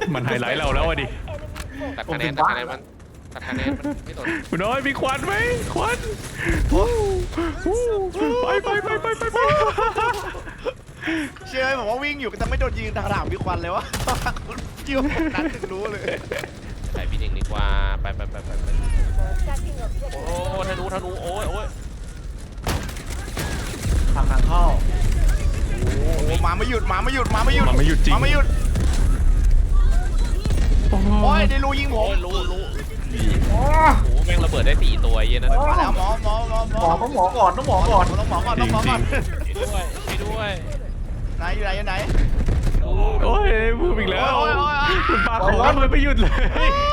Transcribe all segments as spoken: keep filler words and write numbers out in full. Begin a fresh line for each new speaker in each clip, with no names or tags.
มันไฮไลท์เราแล้วอะดิ
ตัดคะแนนตัดคะแนนมันตัดคะแนนมันไม่สน
คุณน้อยมีควันไหมควันไปไปไปไปไปไป
เชื่อผมว่าวิ่งอยู่ก็จะไม่โดนยิงทางหลังมีควันเลยวะคุณกิ้วนั้นถึงรู้เลย
ไปพี่หนึ่งดีกว่าไปไปไปไปไปโอ้ธนูธนูโอ้ยโอ้ย
ทางทางเข้า
โอ้หมาไม่หยุดหมาไม่หยุดหมาไม่หยุด
มันไม่หยุดจริง
หมาไม่หยุด
โอ้
โอ้ยในรูยิงผ
โอ้
ม
ยรู้รู้
อ๋อ
โอ้แม่งระเบิดได้สี่ตัวเย็นนะ
มาแล้วหมอหมอหมอหม
หม
อ
อต้องหมอก่อนต้องหมอก่อน
ต้องหมอก่อน
จ
ต้
ริ
อง
ง
หมอ
จริ
ก่อน
ง
ไปด้วยไปด้วย
ไหนอยู่ไหนอยู่ไหน
โอ้ยพูดอีกแล้ว
โอ้ยโอ้ยโอ้ย
คุณปาของมันไม่หยุดเลย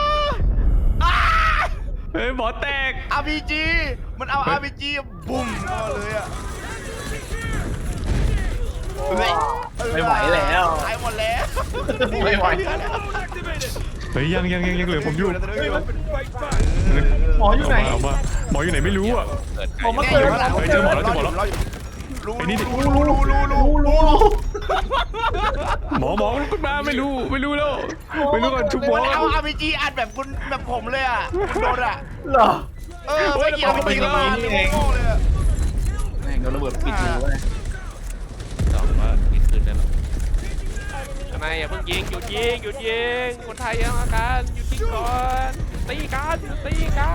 เฮ้ยหมอแตก
อาร์พีจีมันเอาอาร์พีจีบุ้มเข้ามาเลยอะ
ไม่ไหวแล้ว
ตายหมดแล้ว
ไม่ไหว
เฮ้ยยังยังยังยังเหลือผมอยู่
หมออยู่ไหน
เามาหมออยู่ไหนไม่รู้อ่ะ
เกิด
หมอมา
ไกล
เกิด
เฮ้ยเจอหมอแล้วเจอหมอแล้ว
รู้
ไอ้นี่ดิ
รู้รู้รู้รู้รู้
รู้รู้
หมอหมอมันขึ้นมาไม่รู้ไม่รู้แล้วไม่รู้ก่อนชุบหมอ
มันเอาอาร์พีจีอัดแบบคุณแบบผมเลยอ่ะคุณโดนอ่ะ
เหรอ
เออไม่เกี่ยวไม่เกี่ยวกันเลยโง่เลยอะ
แม่งโดนระเบิดปิดหูเลย
สองว่าปิดคืนได้หรอทำไมอย่าเพิ่งยิงหยุดยิงหยุดยิงคนไทยยังอาการหยุดยิงก่อนตีกันตีกัน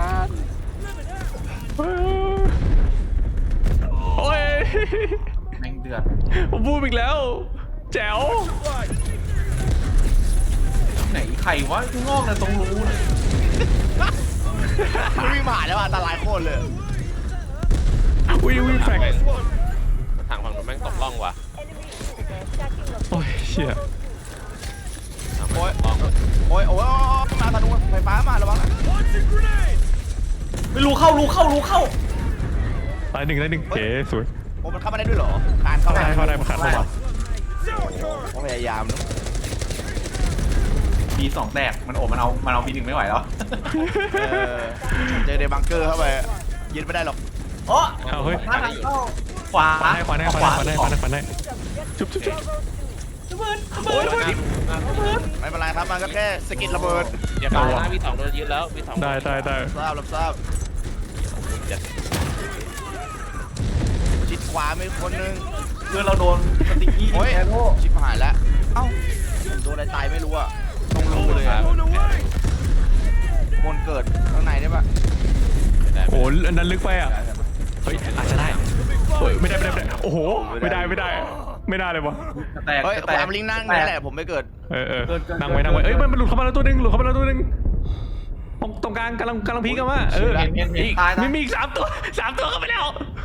โอ้ย
แม่งเดือด
ผมพูดอีกแล้ว แจ๋ว
ไหนไข่วะข้างนอกเลยตรงรูเลย
มันวิ่งผ่านแล้วอันตรายโคตรเลย
อุ้ยอุ้ยแฟก
ทางฝั่งนู้นแม่งตกล่องว่ะ
โอ้ยเชี่ย
ทางฝั่งนู้นล่อง
โอ้ยโอ้ยมาธนูไฟฟ้ามาระวัง
ไม่รู้เข้ารู้เข้ารู้เข้า
ตายหนึ่งตายหนึ่งเก๋สวย
โอ้มันเข้ามาได้ด้วยเหรอคานเข้า
ได้เข้าได้มาขัดเข้ามา
ผมพยายามนะ
บีสองแตกมันโอบมันเอามันเอาบีหนึ่งไม่ไหวแล้ว
เออเจอในบังเกอร์เข้าไปยืนไม่ได้หรอก
โอ้
เอาเฮ้ย
ทางเข้าขวา
ขวานให้ขวานให้ขวานให้ขวานให้ขวานให้ขวานให้ชุบชุบชุบ
โอ้ย
ไม่เป็นไรครับมันก็แค่สกิดระเบิด
อย่าตายนะพี่สองโดนยึดแล้วพี่สอง
ได้ได้ได้
ทราบรับทราบชิดขวามีคนนึง
เพื่อนเราโดนสติกี้
โอ้ย
แอโร่
ชิบหายแล้วเอ้าโดนอะไรตายไม่รู้อะต้องรู้เลยอะบนเกิดข้างในได้ปะ
โอ้อันนั้นลึกไปอ่ะเฮ้ยอาจจะได้เฮ้ยไม่ได้ไม่ได้ไม่ได้โอ้โหไม่ได้ไม่ได้ไม่ได้เลยวะ
แตก
เฮ้ย
แตก
ตามลิงนั่งนี่แหละผมไม่เกิด
เออเออนั่งไว้นั่งไว้เอ้ยมันมันหลุดเข้ามาแล้วตัวหนึงหลุดเข้ามาแล้วตัวหนึงตรงตรงกลางกำลังกำลังพีกันว่าเอออีกมีมีอีกสามตัวสามตัวเข้าไปแล้ว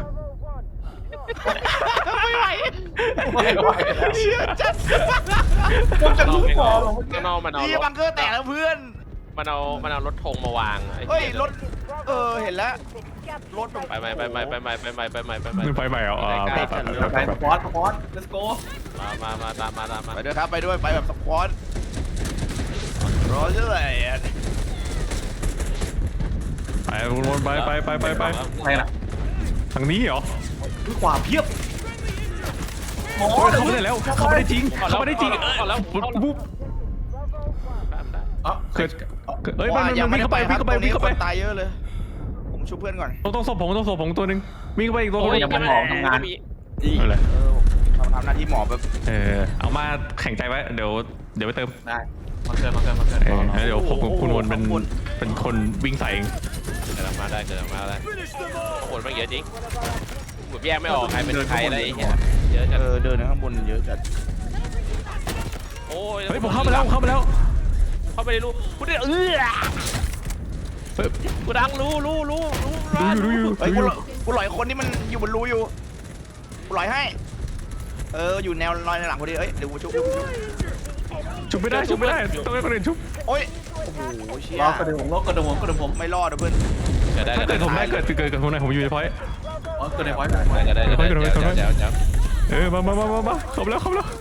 ไม่ไหว
ไม่ไหว
เชื่อจัด
มันจะลูกบอลเหรอ
ข้างนอกมันเอา
นี่บังเกอร์แตกแล้วเพื่อน
มันเอามันเอารถธงมาวาง
เฮ้ยรถเออเห็นแล้วรถ
ไปใหม่ไปใหม่ไปใหม่ไปใหม่ไปใหม่ไปใหม่
มันไฟใหม่เหรออ่าไปไปไป
ไป
ไป
สปอร์ตสปอร์ต let's go
มามามาตามมาตามมา
ไปด้วยครับไปด้วยไปแบบสควอตรอเชื่ออะไรอ่ะ
ไปวนไปไปไปไปไป
ไปละ
ทางนี้เหรอ
คือขวาเพียบหมอ
โอ้ยเข้าไม่ได้แล้วเข้าไม่ได้จริงเข้าไม่ได้จริงเออแล้วปุ๊บ
อ๋อ
เกิดเอ้ยมันมันวิ่งเข้าไปวิ่งเข้าไปวิ่งเข้าไป
ตายเยอะเลยผมช่วยเพื่อนก่อน
ต้องต้องศพผมต้องศพผมตัวหนึ่งวิ่งเข้าไปอีกตัว
โอ้
นึ
ย
ง
ยังมันหมอทำงาน
เอาเลย
เออเขาทำหน้าที่หมอแบบ
เออเอามาแข่งใจไว้เดี๋ยวเดี๋ยวไปเติม
ได้มาเกินมาเกินมาเกิน
เออแล้วเดี๋ยวผมกับคุณวนเป็นเป็นคนวิ่งใส่เอง
เกิดมาได้เกิดมาได้โหดมันเยอะจริงผมแยกไม่ออกใครเป็นใครอะไรเงี้ยเยอะจั
เออเดินข้างบนเยอะจัด
โอ้ย
เฮ้ยผมเข้ามาแล้วเข้ามาแล้ว
เข้าไปในรูกูได้เออ
เฮ้ย
กูดังรู้รู้รู้รู้
ดูอยู่ดูอยู่
เฮ้ย
ดู
กู
อยู่
กูหลอยคนที่มันอยู่บนรูอยู่กูหลอยให้ เอออยู่แนวลอยในหลังพอดีเอ้ยเดี๋ยวกูชุบชุบชุบ
ชุบไม่ได้ชุบไม่ได้ต้องให้คนอื่นชุบ
โอ้ยโอ้โหเชี่ย
รอกระดึงผมรอกระดึงผมกระดึงผม
ไม่รอดนะเพื่อน
เกิดได้
ถ้า
เกิ
เกิ
ด
ดผมได้เกิดเกิดกับผมได้ผมอยู่ในพอยต์
อ๋อเกิดในพอยต์
ได้เกิดได้เกิดได้เดี๋ยวเดี๋ยวเดี๋ยว
เออมามามามามาเข้ามาแล้วเข้ามาแล้ว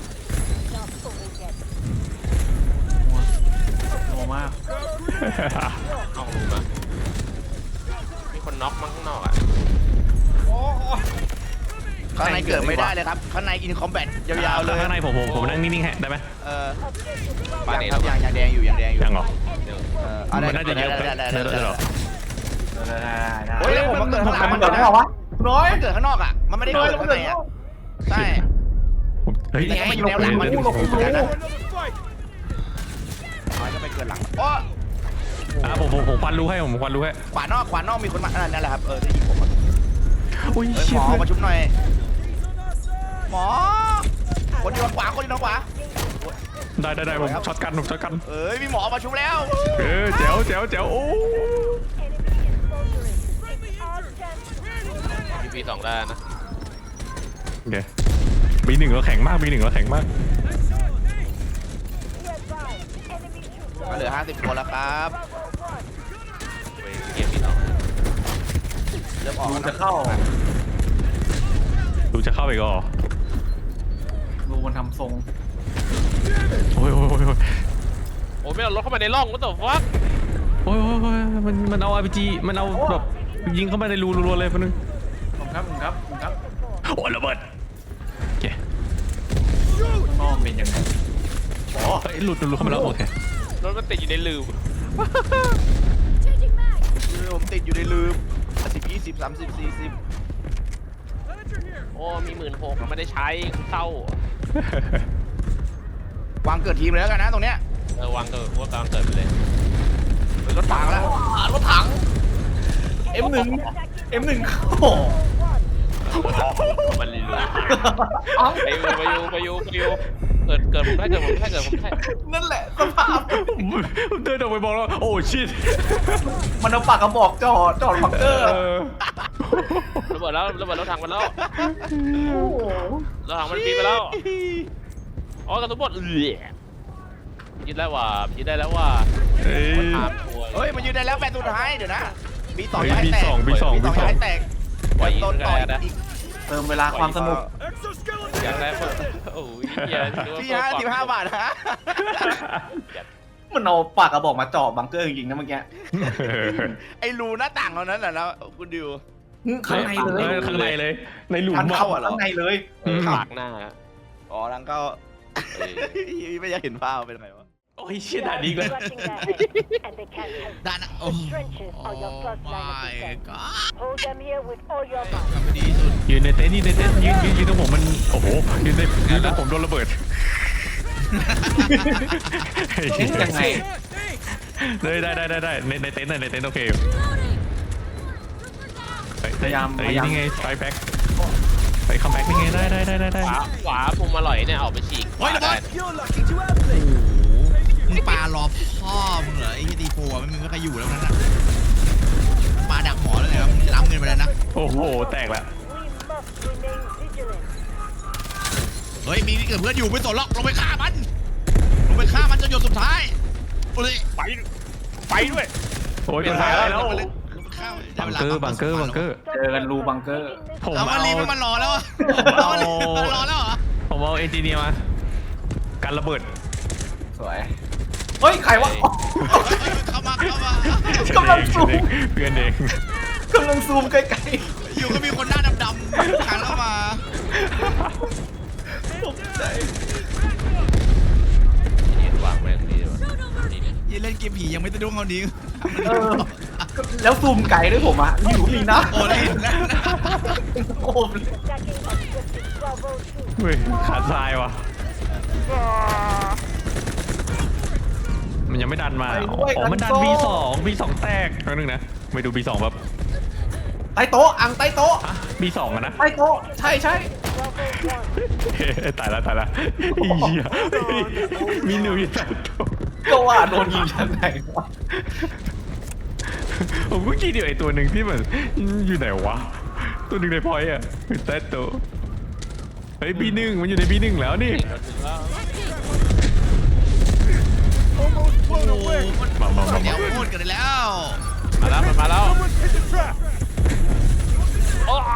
โนมาก
เอารูมามีคนน็อกมั้งข้างนอกอ่ะ
ข้างในเกิดไม่ได้เลยครับข้างในอินคอมแบทยาวๆเลย
ข้างในผมผมผมนั่งนิ่งๆให้ได้ไหม
เออยังครับยังยังแดงอยู่ยังแดงอยู่
ยังเหรอ
เออเอาได้
มันน่าจะเยอะไป
ได้ได้ได้
ได้
ได้
หรอ
ได้ได้ได้
โอ้ยแล้วผมมาเกิดข้างหลัง
มั
มัน น
เกิ
เกิ
ด
ด
ได้
ข้าง
เหร
น
อ
อก
วะน้อย
มันเกิดข้างนอกอ่ะมันไม่ได้เกิดข้างในอ่ะใช่
เฮ้ย
แต่ก็ไม่อยู่แนวหลังมันพูดลงพูดนะมันก็ไปเกิดหลังโอ้
อ่ะผมผมผมควันรู้ให้ผมควันรู้ให้
ขวานอกขวานอกมีคนมานั่นแหละครับเออที่ยิงผมอ่ะ
อุ้ย
เฮ้ย
เชี่
ห
ย
มอมาชุบหน่อยหมอคนอยู่ทางขวาคนอยู่ทางขวา
ได้ได้ได้ผมช็อตกันผมช็อตกัน
เอ้ยมีหมอมาชุบแล้ว
เออแจ๋วแจ๋วแจ๋วโอ้
พีพีสองได้นะ
โอเคบีหนึ่งเราแข็งมากบีหนึ่งเราแข็งมาก
ก็เหลือห้าสิบคนแล้วครับ
ไปเกมพีสอง
เริ่มออก
รู
แล้ว
จะ
นะ
เข้า
ดูจะเข้าไปก็
รูมันทำทรง
โอ้ยโอ้ยโอ้ยโอ้ย
โอ้ไม่เอารถเข้ามาในร่องก็ต่อฟัก
โอ้ยโอ้ยโอ้ยมันมันเอาอาร์พีจีมันเอาแบบยิงเข้ามาในรูรัวๆเลยคนนึง
ผมครับผมครับผมครับ
โอ้ยระเบิดโอเค
น้องเป็นยังไง
เฮ้ยหลุดหลุดเข้ามาแล้วโอเค
รถมันติดอยู่ในลืม
ผมติดอยู่ในลืมสิบยี่สิบสามสิบสี่สิบ
โอ้มีหมื่นหกไม่ได้ใช้เศร้าว
างเกิดทีมเลยแล้วกันนะตรงเนี้ย
เออวางเกิดว่ากำลังเกิดไปเลย
รถถังแล้ว
รถถัง เอ็มหนึ่ง เอ็มหนึ่งโอ้
มันลืม
เอ้า
ไปอยู่ไปอยู่ไปอยู่ไปอยู่เกิดเกิดผมได้เกิดผมได้เกิดผมได้
นั่นแหละสภาพ
ผมเดินออกไปบอกแล้วโอ้ชิต
มันเอาปากกระบอกจอดจอดบังเกอร์
ระเบิดแล้วระเบิดรถถังมันแล้วรถถังมันปีนไปแล้วอ๋อกระสุนหมดเอือยึดแล้วว่ะยึดได้แล้วว่ะ
เฮ้ย
ถามตัว
เฮ้ยมันยืนได้แล้วแปดสุดท้ายเดี๋ยวนะบีสอง
เฮ้ย
ย้ายแตก
บีสองบีสอง
บีสอง
บีสอง
ย้ายแตก
ปล่อยยิง
โดน
ก็
ต่อย
ได้นะ
อีก
เติมเวลาความสนุก
อยากได้เพิ่มโอ้ยเหี้ย
พี่ห้าสิบห้าบาทฮะ
มันเอาปากกระบอกมาจ่อบังเกอร์จริงๆนะเมื่อกี้
ไอ้รูหน้าต่างเรานั้นแหละนะคุณดิว
ข้างในเลย
ออข้างในเลย ในหลุม
มัน
อะ
เข้าข้างในเลย
เออปากหน้า
อ๋อลังก็
เออ
ไม่อยากเห็นภาพเป็นไงวะ
โอ้ยเชี่ยด่าดีเลย
ด้านโอ้
Hold them here with all your
ทำดีสุด
ยืนในเต็นท์ยืนในเต็นท์ยืนยืนยืนตรงผมมันโอ้โหยืนในยืนตรงผมโดนระเบิด
เอ๊ะยังไง
ได้ได้ได้ได้ได้ในในเต็นท์น่ะในเต็นท์โอเค
พยายาม
ไอ้
พยายาม
นี่ไงไฟแบ็คไปคัมแบ็คนี่ไงได้ได้ได้ได้ได้
ขวาขวามุมอร่อยเนี่ยออกไปฉีก
เฮ้ยระเบิด มึงปลารอพ่อมึงเหรอไอ้ที่ดีโฟมันมึงก็ใครอยู่แล้วนั่นน่ะปลาดักหมอแล้วไงครับมึงจะรับเงินไปแล้วนะ
โอ้โหแตกละ
We must remain vigilant.
เฮ้ยมีนี่เกิดเพื่อนอยู่ไม่สนหรอกลงไปฆ่ามันลงไปฆ่ามันจนหยดสุดท้ายโอ้ย
ไปไปด้วย
โอ้ยมันหายแล้ว
ลงไปเลยลงไปฆ่ามัน
บังเกอร์บังเกอร์บังเกอร์
เจอกันรูบังเกอร์
ผม
เอามา
เอา
รีบมันรอแล้วอะเอามารีบมันรอแล้วเหรอ
ผมเอาเอนจิเนียร์มากันระเบิด
สวย เฮ้ย ใครวะ
เข้ามาเข้ามาก
ำลังซูม
เพื่อนเอง
กำลังซูมใกล้
อยู่ก็มีคนหน้าดำๆขันเข้ามา
ๆตกใจ
นี่วางไว้ตรงนี้ดีกว่านี่เนี่ย
ยี่เล่นเกมผียังไม่สะดุ้งเขานี้
เออ แล้วซูมไกลด้วยผมอะอยู่นี่นะ
โอ้ย
โอ้
Attacking objective Bravo two.
เฮ้ยขาดทรายว่ะมันยังไม่ดันมาอ๋อมันดัน บี สอง บี สองแตกแป๊บนึงนะไปดู บี สองแบบ
ใต้โต๊ะ อังใต้โต๊ะ
อ่ะ บี สองอะนะ
ใต้โต๊ะ ใช่ใช่
Bravo one.
เฮ้ยตายละตายละอีเหี้ยมีหนูอยู่ใต้โต๊ะ
ก็ว่าโดนยิงจากไหนวะ
ผมก็คิดอยู่ไอ้ตัวหนึ่งที่มันอยู่ไหนวะตัวหนึ่งในพอยต์อะอยู่ใต้โต๊ะเฮ้ย บี หนึ่งมันอยู่ใน บี หนึ่งแล้วนี่
เราถึงแล้ว
โอ้โหมัน
มามามา
เดี๋ยว
มา
พูดกันแล้ว
มาแล้วมันมาแล้วโอ้ย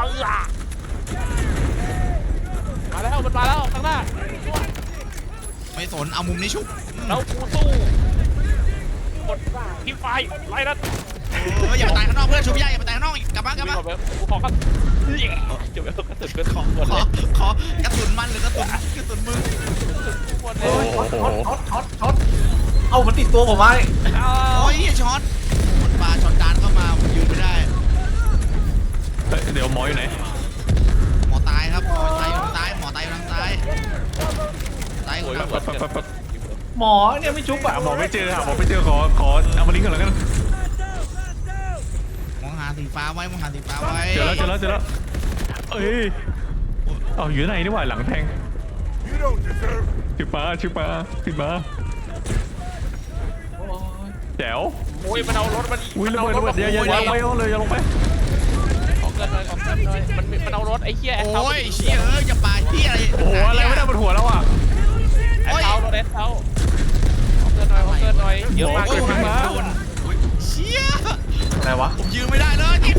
มาแล้วมันมาแล้วข้างหน้า
ไม่สนเอามุมนี้ชุบ
แล้วกูสู้กดทิ้งไฟไล่นัด
โอ้ยอย่าไปตายข้างนอกเพื่อนชูพี่ใหญ่อย่าไปตายข้างนอกอีกกลับบ้านกลับ
วิ่ง
บ้าน
เข้าไปกูขอครับเดี๋ยวกระสุนเป็นของหมด
ข
เล
อย ขอกระสุนมันหรือกระสุนกระสุนมึง
หมดเล
โอ้
ย
โห
ช็อตช็อตช็อตช็อตเอามันติดตัวผมไว้
โอ้ยช็อตมันปลาช็อตดานเข้ามาผมยืนไม่ได้
เฮ้ยเดี๋ยวหมออยู่ไหน
หมอตายครับหมอตายอยู่ทางซ้ายหมอตายอยู่ทางซ้ายตายอยู่
โอ้ย
ทาง
หมดเกิน
หมอเนี่ยไม่ชุบอ่ะ
หมอไม่เจอค่ะหมอไม่เจอขอขอเอามาลิงก์ก่อนแล้วกัน
มองหาสีฟ้าไว้มองหาสีฟ้าไว้
เจอแล้วเจอแล้วเจอแล้วเอ้ยเอาอยู่ไหนนี่หว่าหลังแทงชิปาชิปาชิปาแจ๋ว
โอ้ยมันเอารถมัน
อุ้ยระเบิดระเบิดอย่าอย่าอย่าไปเอาเลยอย่าลงไป
ขอเกินหน่อยขอเกินหน่อยมันมันเอารถไอ้เหี้ยแอคเคา
โอ้ยเชี่ยเอ้ยอย่าปาเชี่ยอะไร
โอ้โหอะไรไม่ได้บนหัวแล้วอ่ะ
แอคเคารถแอคเคาขอเกินหน่อยขอเกินหน่อยเยอะมาก
โอ้
เย
ย
อะมาก
โดนเชี่ย
อะไรวะ
ผมยืนไม่ได้เลยที่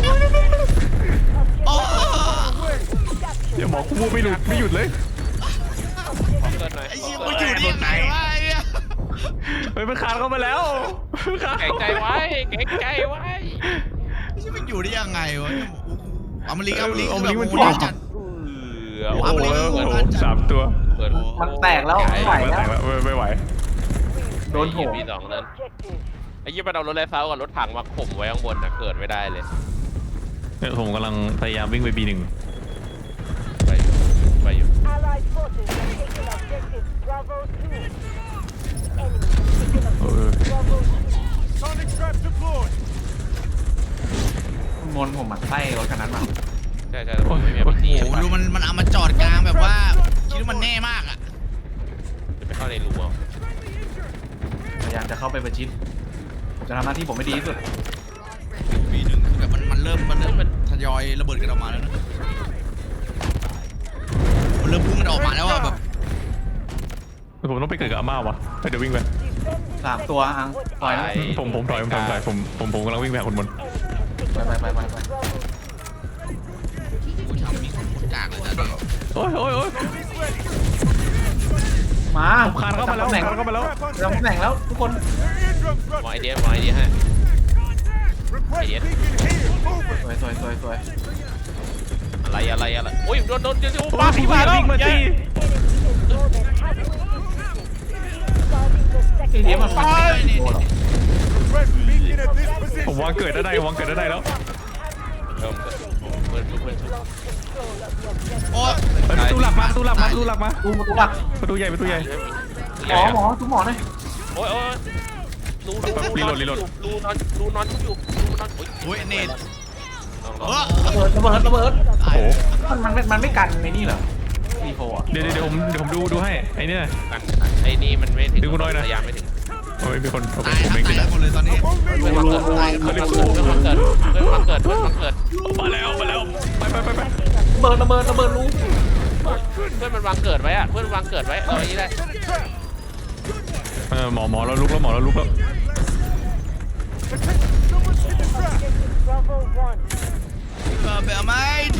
โอ้
เดี๋ยวหมอกูพูดไม่หลุดไม่หยุดเลย
ขอเกินหน่อย
ไอ้เชี่ยมันอยู่ได้ยังไงวะไอ้เหี้ย
เฮ้ยมันขาดเข้าไปแล้วขาด
แข็งใจไว้แข็งใจไว้
ไอ้เชี่ยมันอยู่ได้ยังไงวะเอามาลิงเอามาลิง
เอามาลิงก์มัน
โอ้
ถ่วง
โหจัด
เออ
โอ้
โอ้
โห
โห
แล้ว
เกิน
โอ้โหสามตัว
เกิน
มันแตกแล้วไม่ไหว
ไม่
แล้ว
แต่งแล้วไม่ไม่ไหว
โดนโถม
มีสองนั้น
Objective.
ไอ้ยี่มันเอารถแลเซากับรถถังมาข่มไว้ข้างบนนะเกิดไม่ได้เลย
เนี่ยผมกำลังพยายามวิ่งไปบีหนึ่ง
ไปอยู่ไปอยู่
Allied forces have taken objective Bravo two. Enemy has taken
เออ
objective Bravo two.
มนผมหมั่นไส้รถคันนั้นมา
ใช่ใช่ผมไม่มีอาวุธนี่
โอ้โหดูมันมันเอามาจอดกลางแบบว่าคิดว่ามันแน่มากอ่ะ
จะไปเข้าในรูอ่ะ
พยายามจะเข้าไปประชิดผมจะทำหน้าที่ผมไม่ดีที่สุด
ปีหนึ่งคือแบบมันมันเริ่มมันเริ่มมันทยอยระเบิดกันออกมาแล้วนะมันเริ่มพุ่งกันออกมาแล้วอ่ะแบบ
ผมต้องไปเกิดกับอาม่าวะเฮ้ยเดี๋ยววิ่งไป
สามตัวอังปล่อยนะ
ผมผมถอยผมถอยผมถอยผมผมผมกำลังวิ่งไปหาคนบน
ไปไปไปไปไป
โอ้ยทำมีคนโคตรกากเลยนะ
โอ้ยโอ้ยโอ้ย
มา
ผมคานเข้ามาแล้ว
ตำแหน่ง
คานเข้ามาแล้ว
เราตำแหน่งแล้วทุกคน
มองไอเดียมองไอเดียให้ไอเดีย
สวยสวยสวยสวย
อะไรอะไรอะไรโอ้ยโดนโดนเดี๋ยว
โอ้
ป้าย ผี
พี่
มา
มา
แล้ว
วิ่งมาสิ
Enemy is more than halfway defeated. Starting the
ไอ้
second
เนี้ยมันฟันไม่ได้โดนหรอก
ผมวางเกิดได้วางเกิดได้แล้ว
เริ่มเพื่อนเพื่อน
โอ้ย
เฮ้ยประตูหลักมาประตูหลักมาประตูหลักมา
ดูประตูหลัก
ประตูใหญ่ประตูใหญ่
หมอหมอทุกหมอหน่อย
โอ้ยโอ้ยรูรูรูนอนรูนอนอยู่รูนอน
โอ้ยเนต
โอ้
เออ
ระเบิดระเบิดระเบิด
โอ้โห
มันมันมันไม่กันในนี่เหรอซีโฟอ่ะ
เดี๋ยวเดี๋ยวเดี๋ยวผมเดี๋ยวผมดูดูให้ไอ้เนี่ย
กันไอ้นี่มันไม่ถึงพยายามไม่ถึง
โอ้ยมีคนโอเค
ตาย
ผม
ครับ
เอง
ตาย
ติด
กั
แล้
น
ว
หมดเลยตอนนี้
เพื่อนมาเกิดเพื่อนมาเกิดเพื่อนมาเกิดเพื่อนมาเกิดเพื่อนมาเกิด
มาแล้วมาแล้วไปไปไปไป
ระเบิดระเบิดระเบิดรู้
เพื่อนมันวางเกิดไว้อะเพื่อนวางเกิดไว้เอาอย่างนี้ได้
เออหมอหมอเราลุกแล้วหมอเราลุกแล้ว
Objective Bravo one.
เออเบลไมด์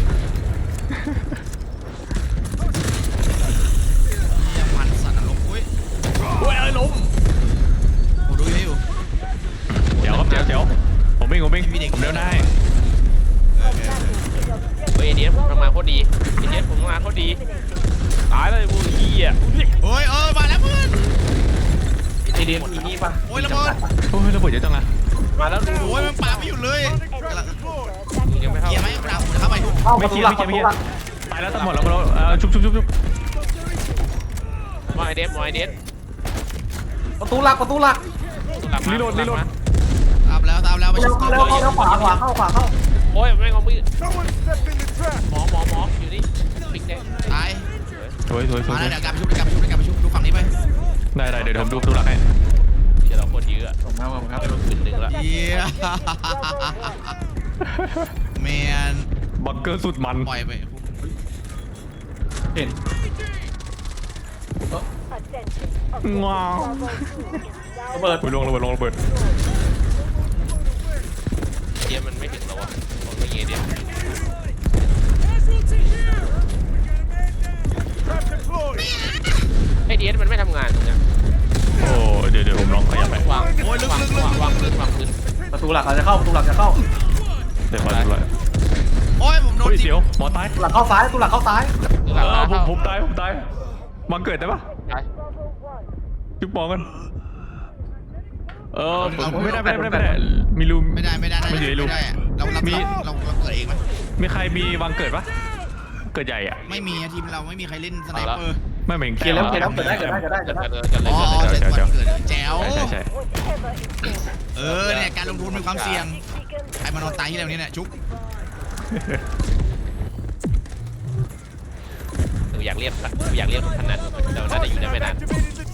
ยังมันสัตว์นรกอุ้ย
โอ้ยไอ้ล้ม
โอ้ดูให้อยู่
เดี๋ยวครับเดี๋ยวเดี๋ยวผมวิ่งผมวิ่งผมเดินได้
เฮ้ยไอเดียผมทำงานโคตรดีไอเดียผมทำงานโคตรดีตายเลยบูยี่อ่ะ
โอ้ยเออมาแล้วเพื่อน
ไอเดียมีนี่ป่ะ
โอ้ยระเบิด
โอ้ยระเบิดเยอะจังอะ
มาแล้วดู
โอ้ยมันปาไม่หยุดเลยกำลัง
ยังไม่เข้า
เกียร์ไหมเราจะเข้าไปทุก
เข้าป
ไม่
ระตู
เกีย
ห
ร์
ลัก
ไม่
ป
เกีย
ระ
ร์
ตู
ไม่
ห
เกีย
ลัก
ร์ตายแล้วตำรวจแล้วเราเออชุบชุบชุบชุบชุบ
มองไอเดียมองไอเดีย
ประตูหลักประตูหลัก
รีโหลดรีโหลด
ตามแล้วตามแล้วไป
เร็
ชุ
ว
บ
เข้าเร็วเข้าเร็วขวาขวาเข้าขวาเข้า
โอ้ยแม่งเอามือหมอหมอหมออยู่นี่ปิ๊กแดง
ตาย
สวยสวยสวย
มาแล้วเดี๋ยวกลับไปชุบเดี๋ยวกลับไปชุบเดี๋ยวกลับไปชุบดูฝั่งนี้ไป
ได้ได้เดี๋ยวผมดูประตูหลักให้
เดี๋ยวเราโคตรเยอะ
ผมครับผมครับ
ไปลงขึ้นหนึ่งแล้ว
เยี่ยแมน
บังเกอร์สุดมัน
ปล่อยไป
เห็น
Attention. Objective
Wow.
Bravo two is now
ระเบิด
อุ้ยลงระเบิดลงระเบิด
เดียมันไม่ถึงเราอะผมไม่เงี้ยเดียไอเดียมันไม่ทำงานตรงเนี้ย
โอ้เดี๋ยวเดี๋ยวผมลองขยับไป
วางวางวางวางพื้นวางพื้น
ประตูหลักเราจะเข้าประตูหลักจะเข้า
เดี๋ยวก่อนเดี๋ยวก่อน
โอ้ยผมโดน
เฮ้ย
ยิง
เดี๋ยวหมอตาย
ประตูหลักเข้าซ้ายประตูหลักเข้าซ้าย
ดูห
เอ
ลัง
อ
นะ
ผม
เข้า
ผมตายผมตายวังเกิดได้ปะ
ตาย
จุ๊บปองกันเออไม่ได้ไม่ได้ไม่ได้ไม่ได้มีรู
ไม่ได้ไม่ได้
ไม่อยู่ในรู
ไม่ได้อะเราเรา
มี
เราเราเกิดเองไหม
มีใครมีวังเกิดปะเกิดใหญ่อะ
ไม่มีอะทีมเราไม่มีใครเล่นสไนเปอร์
ไม่เหมือน
เกลียดแล้วเกลียดแล้วเกิดได้เกิดได้เกิดได้เกิดได้
เกิดเกิด
อ๋อ
เกิด
เจ็ดวันเกิดแจ๋ว
ใช่ใช่ใช่
Whatever is there.
เออเนี่ยการลงทุนมีความเสี่ยง
Beacon
ใครมานอนตายที่เราเนี่ยเนี่ยชุบ
หนูอยากเรียกหนูอยากเรียกขนาดเราน่าจะอยู่ได้ไม่นาน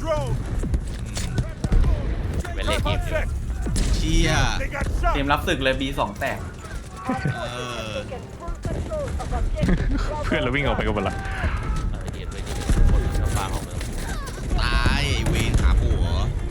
เป็นเล่นเกมอยู่
เชีย
เกมรับศึกเลย บี สองแตก
เออ
taken full control of objective
เพื่อนเราวิ่งออกไปกันหมดละ
เออเดียดด้วยคนชาวบ้านของเมือง
ตายไอ้เวรขาผัว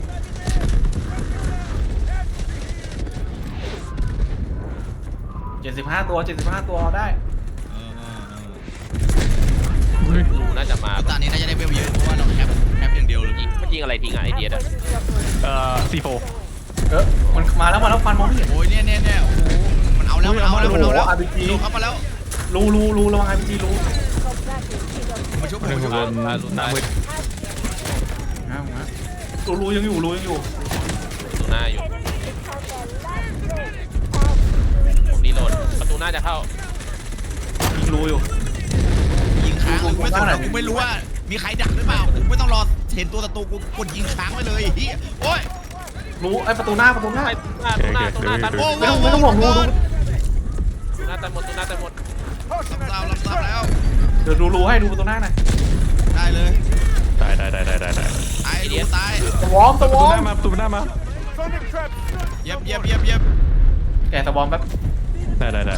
เจ็ดสิบห้าตัวเจ็ดสิบห้าตัวเอาได้
เออเออเออ
ดูน่าจะมา
ตอนนี้น่าจะได้เวลเยอะเพราะว่าเราแคปแคปอย่างเดียวเลย
ยิงมันยิงอะไรทิ้งอ่ะไอเดียดอ่ะ
เอ่อซีโฟ
เออมันมาแล้วมาแล้วฟันมองไม่เห็น
โอ้ยเนี่ยเนี่ยเนี่ยโอ้โหมันเอาแล้วมันเอาแล้วมันเอาแล้ว
โอ้โห อาร์ พี จี
ดูเข้ามาแล้ว
รูรูรูระวังไอพีจีรู
มาชุบผม
หนึ่ง
มาชุบ
คนหน้ามืด
นะนะรูรูยังอยู่รูยังอยู่
ประตูหน้าอยู่ผมรีโหลดประตูหน้าจะเข้า
ยิงรูอยู่
ยิงค้างเลยกูไม่สน
ดู
หร
ข้า
อก
งหน้าหน่อย
กูไม่รู้ว่ามีใครดักหรือเปล่ากูไม่ต้องรอเห็นตัวศัตรูกูกดยิงค้างไว้เลยเฮียโอ้ย
รูไอยประตูหน้าประตูหน้า
ไปประตูหน้าประตูหน้าตันหม
โอ้
ด
โห
ไม่ต้องไม่ต้องห่วงรูรู
ประตูหน้าตันหมดประตูหน้าตันหมด
รับทราบรับทราบแล้ว
เดี๋ยวดูรูให้ดูประตูหน้าหน่อย
ได้เลย
ได้ได้ได้ได้ได้ได้
ตายดูตาย
สวอมส
ประ
ว
ตู
อ
ห
ม
น้ามาประตูหน้ามา
เย็บเย็บเย็บเย็บ
แกสวอมแป๊บ
ได้ได้ได้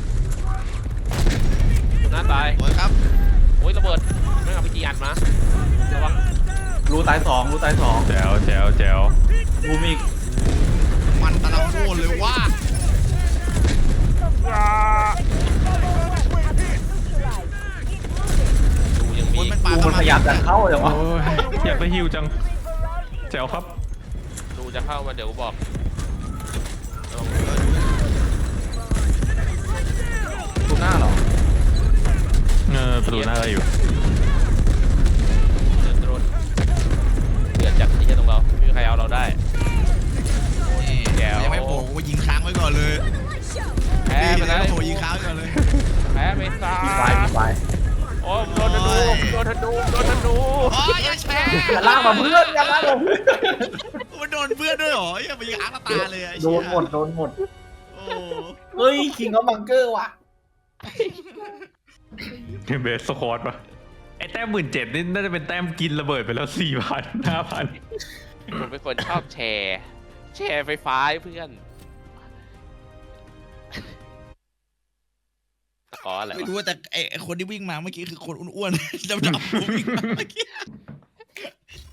ประตูหน้าตาย
โอ้ยครับ
โอ้ยระเบิดไม่เอาไปจีอัดมาระวัง
รูตายสองรูตายสอง
แจ๋วแจ๋วแจ๋ว
รูมีอีก
มันตะละโคตรเลยว่า
ดูยังมี
คนมันปา
รูมันพยายามจะเข้าอย่างวะ
โอ้ยอยากไปฮิวจังแจ๋วครับ
ดูจะเข้ามาเดี๋ยวบอก
ประตูหน้าเหรอ
เออประตูหน้าได้อยู่
เดือดร้อนเดือดจัดที่จะตรงเราไม่มีใครเอาเราได้
นี่ยังไม่โผล่กูยิงค้างไว้ก่อนเลย
แพ้ไป
นี่
แล้ว
ยังไม่โผล่ยิงค้างไว้ก่อนเลย
แพ้ไปซะ
มีไฟมีไฟ
โอ้โดนธนูโดนธนูโดนธนู
อ๋ออย่าแชร์
อย่าลากมาเพื่อนอย่าลากมาเพื่อน
มันโดนเพื่อนด้วยเหรออย่าไปยิงอาร์ตตาเลยไอ้
โด
เชี่ย
นหมดโดนหมด
โอ้
เฮ้ยคิงเขาบังเกอร์ว่ะ
เบสสควอตปะไอ้แต้มหมื่นเจ็ดนี่น่าจะเป็นแต้มกินระเบิดไปแล้วสี่พันห้าพัน
ผมเป็นคนชอบแชร์ แชร์ไฟฟ้าให้เพื่อนตะกออะไร
ไม่
วะ
รู้ว่าแต่ไอ้ไอ้คนที่วิ่งมาเมื่อกี้คือคนอ้วนๆดำๆวิ่งมาเมื่อกี้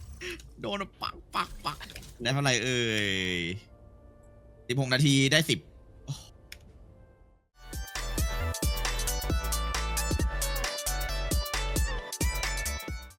โดนปักปักปักได้เท่าไหร่เอ่ยสิบหกนาทีได้สิบ